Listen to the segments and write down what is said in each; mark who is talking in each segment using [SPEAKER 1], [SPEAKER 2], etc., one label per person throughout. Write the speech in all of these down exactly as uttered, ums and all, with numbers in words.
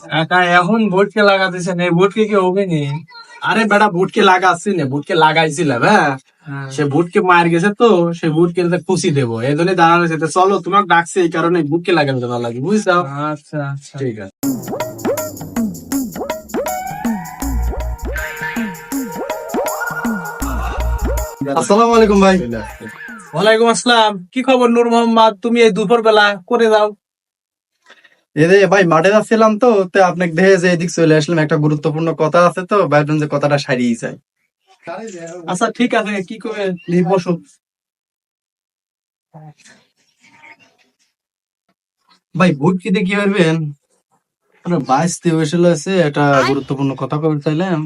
[SPEAKER 1] একা এখন ভোটকে লাগাতেছেন, এই ভোটকে কি হবে নি?
[SPEAKER 2] আরে বেটা বুটকে লাগাচ্ছি না, বুটকে লাগাইছিলাম। হ্যাঁ, সে বুটকে মার গেছে তো সে বুটকে খুশি দেবো এই জন্য দাঁড়ানো সেটা। চলো তোমাকে ডাকছে এই কারণে বুটকে লাগানো ভালো লাগে, বুঝছো?
[SPEAKER 1] আচ্ছা আচ্ছা।
[SPEAKER 2] ঠিক আছে। আসসালামু আলাইকুম ভাই।
[SPEAKER 1] ওয়ালাইকুম আসসালাম। কি খবর নূর মোহাম্মদ, তুমি এই দুপুর বেলা করে দাও?
[SPEAKER 2] এরে ভাই মাঠে যাচ্ছিলাম তো তো আপনাকে দেখে যে এদিক চলে আসলাম, একটা গুরুত্বপূর্ণ কথা আছে তো ভাবলাম যে কথাটা সারিয়ে যায়।
[SPEAKER 1] আচ্ছা ঠিক আছে, কি করে নিয়ে বসো।
[SPEAKER 2] ভাই ভোট কি দিয়ে কি পারবেন? বাইশতে হয়েছিল আছে একটা গুরুত্বপূর্ণ কথা কবে চাইলাম।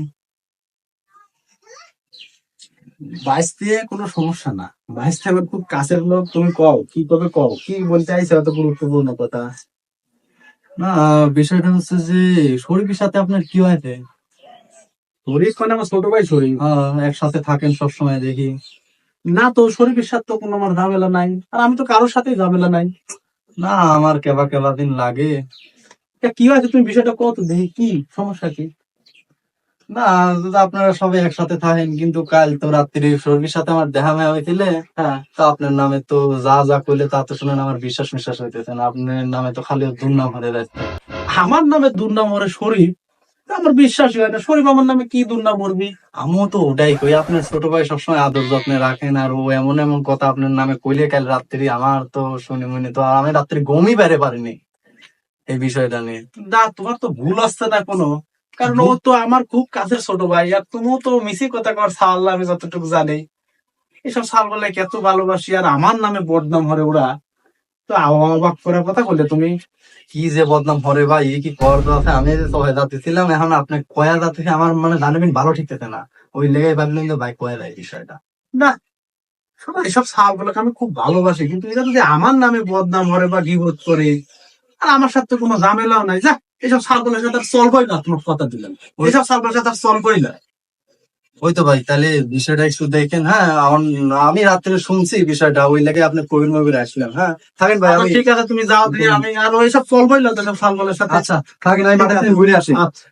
[SPEAKER 2] বাইশ দিয়ে কোনো সমস্যা না, বাইশ আমার খুব কাছের লোক। তুমি কও কি কবে কও কি বলতে চাইছো, এত গুরুত্বপূর্ণ কথা। না, বিষয়টা হচ্ছে যে শরীফের সাথে আপনার কি হয়েছে?
[SPEAKER 1] শরীফ মানে আমার ছোট ভাই শরীফ।
[SPEAKER 2] হ্যাঁ, একসাথে থাকেন সবসময় দেখি।
[SPEAKER 1] না তো, শরীফের সাথে তো কোনো আমার ঝামেলা নাই, আর আমি তো কারোর সাথেই ঝামেলা নাই।
[SPEAKER 2] না, আমার কেবা কেবা দিন লাগে।
[SPEAKER 1] তা কি হয়েছে, তুমি বিষয়টা কত দেখি, কি সমস্যা কি?
[SPEAKER 2] না, যদি আপনারা সবাই একসাথে থাকেন কিন্তু কাল তো রাত্রি শরীফের সাথে আমার দেখা মেয়া হয়েছিলে। হ্যাঁ, তো আপনার নামে তো যা যা করলে তা তো শুনেন আমার বিশ্বাস বিশ্বাস হইতেছে না। আপনার নামে তো খালি দুর্নাম হয়ে যাচ্ছে।
[SPEAKER 1] আমার নামে দুর্নাম ওরে শরীফ? আমার বিশ্বাসই হয় না, শরীফ আমার নামে কি দুর্নাম করবি?
[SPEAKER 2] আমিও তো ওটাই কই, আপনার ছোট ভাই সবসময় আদর যত্নে রাখেন আর ও এমন এমন কথা আপনার নামে কইলে কাল রাত্রি আমার তো শুনে মনে তো আমি রাত্রি ঘুমই বেড়ে পারিনি এই বিষয়টা নিয়ে।
[SPEAKER 1] না, তোমার তো ভুল আসছে না কোনো, কারণ ও তো আমার খুব কাছের ছোট ভাই, আর তুমিও তো মিশি কথা কর সাল্লাহ, আমি যতটুকু জানি। এসব সাল বলে এত ভালোবাসি আর আমার নামে বদনাম হরে ওরা, তো অবাক করার কথা বললে তুমি।
[SPEAKER 2] কি যে বদনাম হরে ভাই, এ কি কর আছে? আমি যে ছয় যাতে ছিলাম, এখন আপনি কয়া যাতে আমার মানে জানবেন ভালো ঠিকতেছে না, ওই লেগে ভাবলেন যে ভাই কয়া যায় বিষয়টা।
[SPEAKER 1] না, শোনো, এসব সাল গুলোকে আমি খুব ভালোবাসি, কিন্তু এরা যদি আমার নামে বদনাম হরে বা গিবত করে, আর আমার সাথে কোনো ঝামেলাও নাই, যা এসব সাল গুলোর সাথে আর চলবই না, তোমার কথা দিলাম। এসব সাল গুলোর সাথে আর চলবই না।
[SPEAKER 2] ওই তো ভাই, তাহলে বিষয়টা একটু দেখেন। হ্যাঁ, আমার- আমি রাত্রে শুনছি বিষয়টা, ওই লেগে আপনি কবির মবির আসলাম। হ্যাঁ, থাকেন ভাই।
[SPEAKER 1] আচ্ছা,
[SPEAKER 2] আমি
[SPEAKER 1] ঠিক আছে, তুমি যাও দিয়ে, আমি আর ওইসব চলবই না তো সাল গুলোর সাথে।
[SPEAKER 2] আচ্ছা থাকেন, আমি মাঠে থেকে ঘুরে আসি।
[SPEAKER 1] আচ্ছা।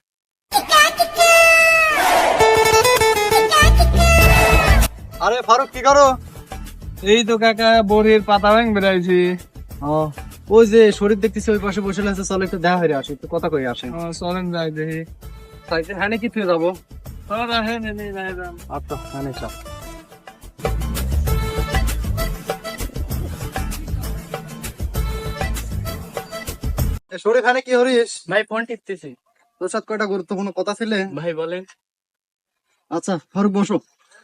[SPEAKER 2] আরে ফারুক কি করো?
[SPEAKER 1] এই তো কাকা বড়ির পাতা ভাঙ বেড়াইছি।
[SPEAKER 2] ও, ওই যে শরীর দেখতেছি ওই পাশে বসে আছে, চলো একটু দেখা হয়ে আসি, একটু কথা কই আসে।
[SPEAKER 1] চলেন যাই দেখি।
[SPEAKER 2] সাইকেল হ্যাঁ কি তুই যাবো?
[SPEAKER 1] তোরা হেন এনে যাই যান।
[SPEAKER 2] আচ্ছা হ্যাঁ চাপ। শরীফ হ্যাঁ কি হরিস?
[SPEAKER 1] ভাই ফোন টিপতেছি।
[SPEAKER 2] তোর সাথে কয়টা গুরুত্বপূর্ণ কথা ছিলে।
[SPEAKER 1] ভাই বলেন।
[SPEAKER 2] আচ্ছা ফারুক বসো।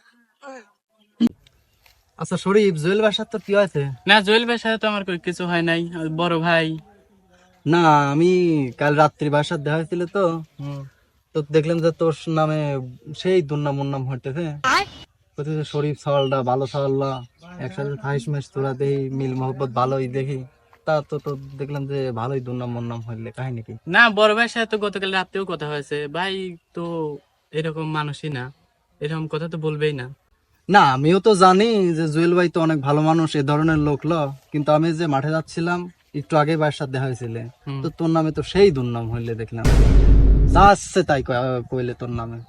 [SPEAKER 2] আচ্ছা শরীফ, জুয়েল বাসার তো কি হয়েছে?
[SPEAKER 1] না, জুয়েল ভাইয়ের সাথে তো আমার কোনো কিছু হয় নাই, আর বড় ভাই।
[SPEAKER 2] না, আমি কাল রাত্রি বাসার দেখা হয়েছিল তো, তো দেখলাম যে তোর নামে সেই দুর্নাম উন্নাম হইতেছে। বলতেছে শরীফ সওয়ালটা ভালো সওয়াল্লা, একসাথে থাইস মাস তোরা দেখি মিল মহব্বত ভালোই দেখি। তা তো তো দেখলাম যে ভালোই দুর্নাম মুন্নাম হইলে কাহিনী কি?
[SPEAKER 1] না, বড় ভাইয়ের সাথে তো গতকাল রাতেও কথা হয়েছে, ভাই তো এরকম মানুষই না, এরকম কথা তো বলবেই না।
[SPEAKER 2] না, আমিও তো জানি যে জুয়েল ভাই তো অনেক ভালো মানুষ, এ ধরনের লোক ল, কিন্তু আমি যে মাঠে যাচ্ছিলাম একটু আগে ভাইয়ের সাথে দেখা হয়েছিল, তো তোর নামে তো সেই দুর্নাম হইলে দেখলাম। যা আসছে তাই কয়- কইলে তোর নামে।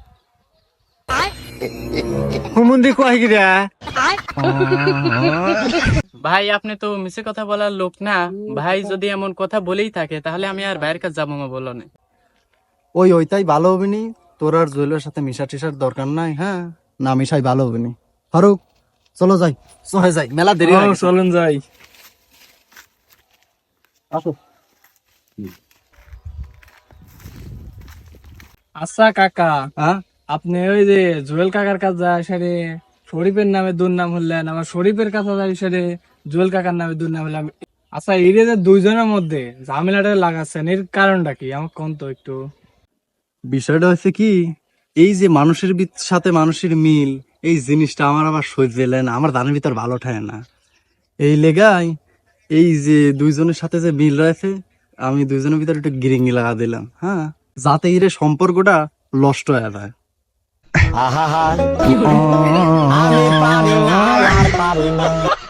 [SPEAKER 1] ভাই আপনি তো মিছে কথা বলার লোক না, ভাই যদি এমন কথা বলেই থাকে তাহলে আমি আর ভাইয়ের কাছে যাবো না, বলো না।
[SPEAKER 2] ওই ওইটাই ভালো হবে নি, তোর আর জুয়েলের সাথে মিশা টিশার দরকার নাই। হ্যাঁ, না মিশাই ভালো হবে নি। ফারুক চলো যাই, চলে যাই, মেলা দেরি হয়ে গেছে।
[SPEAKER 1] চলুন যাই।
[SPEAKER 2] আসো।
[SPEAKER 1] আচ্ছা কাকা,
[SPEAKER 2] হ্যাঁ,
[SPEAKER 1] আপনি ওই যে জুয়েল কাকার কাছে যায় সেরে শরীফের নামে দুর্নাম হলেন, আমার শরীফের কাছে যায় সেরে জুয়েল কাকার নামে দুর্নাম হলাম। আচ্ছা, এই যে দুইজনের মধ্যে ঝামেলাটা লাগাচ্ছেন, এর কারণটা কি আমার কোন তো একটু।
[SPEAKER 2] বিষয়টা হচ্ছে কি, এই যে মানুষের ভিত- সাথে মানুষের মিল, এই জিনিসটা আমার আবার সহ্য এলেন, আমার দানের ভিতর ভালো ঠায় না। এই লেগাই এই যে দুইজনের সাথে যে মিল রয়েছে, আমি দুইজনের ভিতরে একটু গিরিঙ্গি লাগা দিলাম। হ্যাঁ, যাতে এর সম্পর্কটা নষ্ট হয়ে যায়।